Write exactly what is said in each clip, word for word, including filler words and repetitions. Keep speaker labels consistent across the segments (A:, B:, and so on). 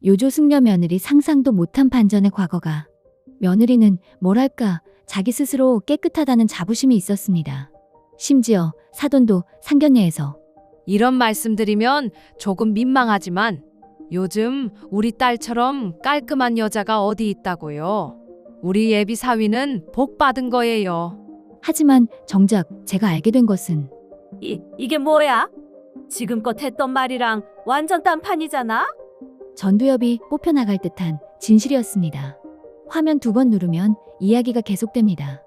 A: 요조숙녀 며느리 상상도 못한 반전의 과거가. 며느리는 뭐랄까 자기 스스로 깨끗하다는 자부심이 있었습니다. 심지어 사돈도 상견례에서
B: 이런 말씀드리면 조금 민망하지만 요즘 우리 딸처럼 깔끔한 여자가 어디 있다고요. 우리 예비 사위는 복 받은 거예요.
A: 하지만 정작 제가 알게 된 것은
C: 이, 이게 뭐야? 지금껏 했던 말이랑 완전 딴판이잖아?
A: 전두엽이 뽑혀나갈 듯한 진실이었습니다. 화면 두 번 누르면 이야기가 계속됩니다.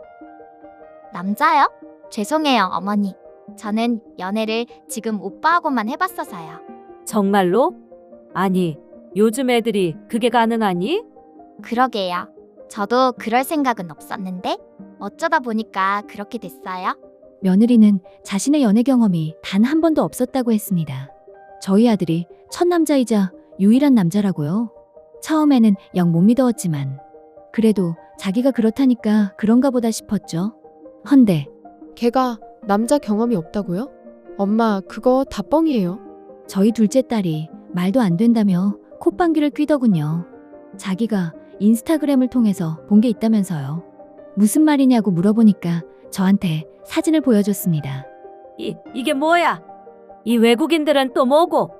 D: 남자요? 죄송해요, 어머니. 저는 연애를 지금 오빠하고만 해봤어서요.
C: 정말로? 아니, 요즘 애들이 그게 가능하니?
D: 그러게요. 저도 그럴 생각은 없었는데 어쩌다 보니까 그렇게 됐어요.
A: 며느리는 자신의 연애 경험이 단 한 번도 없었다고 했습니다. 저희 아들이 첫 남자이자 유일한 남자라고요. 처음에는 영 못 믿어왔지만 그래도 자기가 그렇다니까 그런가 보다 싶었죠. 헌데
E: 걔가 남자 경험이 없다고요? 엄마, 그거 다 뻥이에요.
A: 저희 둘째 딸이 말도 안 된다며 콧방귀를 뀌더군요. 자기가 인스타그램을 통해서 본 게 있다면서요. 무슨 말이냐고 물어보니까 저한테 사진을 보여줬습니다.
C: 이, 이게 뭐야? 이 외국인들은 또 뭐고?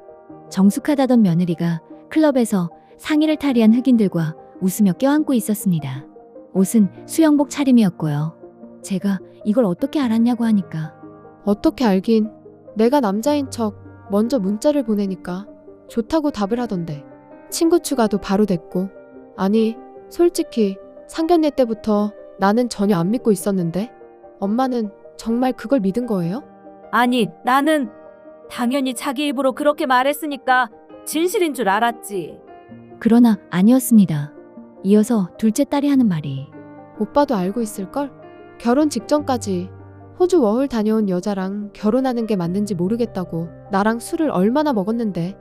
A: 정숙하다던 며느리가 클럽에서 상의를 탈의한 흑인들과 웃으며 껴안고 있었습니다. 옷은 수영복 차림이었고요. 제가 이걸 어떻게 알았냐고 하니까
E: 어떻게 알긴. 내가 남자인 척 먼저 문자를 보내니까 좋다고 답을 하던데. 친구 추가도 바로 됐고. 아니, 솔직히 상견례 때부터 나는 전혀 안 믿고 있었는데 엄마는 정말 그걸 믿은 거예요?
C: 아니, 나는 당연히 자기 입으로 그렇게 말했으니까 진실인 줄 알았지.
A: 그러나 아니었습니다. 이어서 둘째 딸이 하는 말이
E: 오빠도 알고 있을걸? 결혼 직전까지 호주 워홀 다녀온 여자랑 결혼하는 게 맞는지 모르겠다고 나랑 술을 얼마나 먹었는데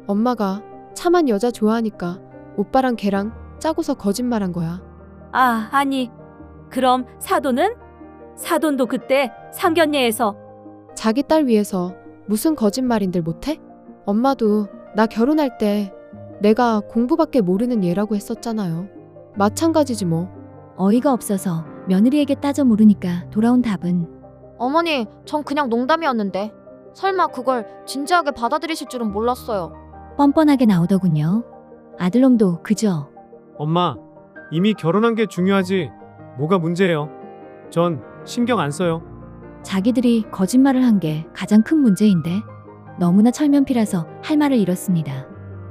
E: 엄마가 참한 여자 좋아하니까 오빠랑 걔랑 짜고서 거짓말한 거야.
C: 아, 아니. 그럼 사돈은? 사돈도 그때 상견례에서
E: 자기 딸 위해서 무슨 거짓말인들 못해? 엄마도 나 결혼할 때 내가 공부밖에 모르는 얘라고 했었잖아요. 마찬가지지 뭐.
A: 어이가 없어서 며느리에게 따져 물으니까 돌아온 답은
D: 어머니, 전 그냥 농담이었는데 설마 그걸 진지하게 받아들이실 줄은 몰랐어요.
A: 뻔뻔하게 나오더군요. 아들놈도 그저
F: 엄마, 이미 결혼한 게 중요하지 뭐가 문제예요? 전 신경 안 써요.
A: 자기들이 거짓말을 한 게 가장 큰 문제인데 너무나 철면피라서 할 말을 잃었습니다.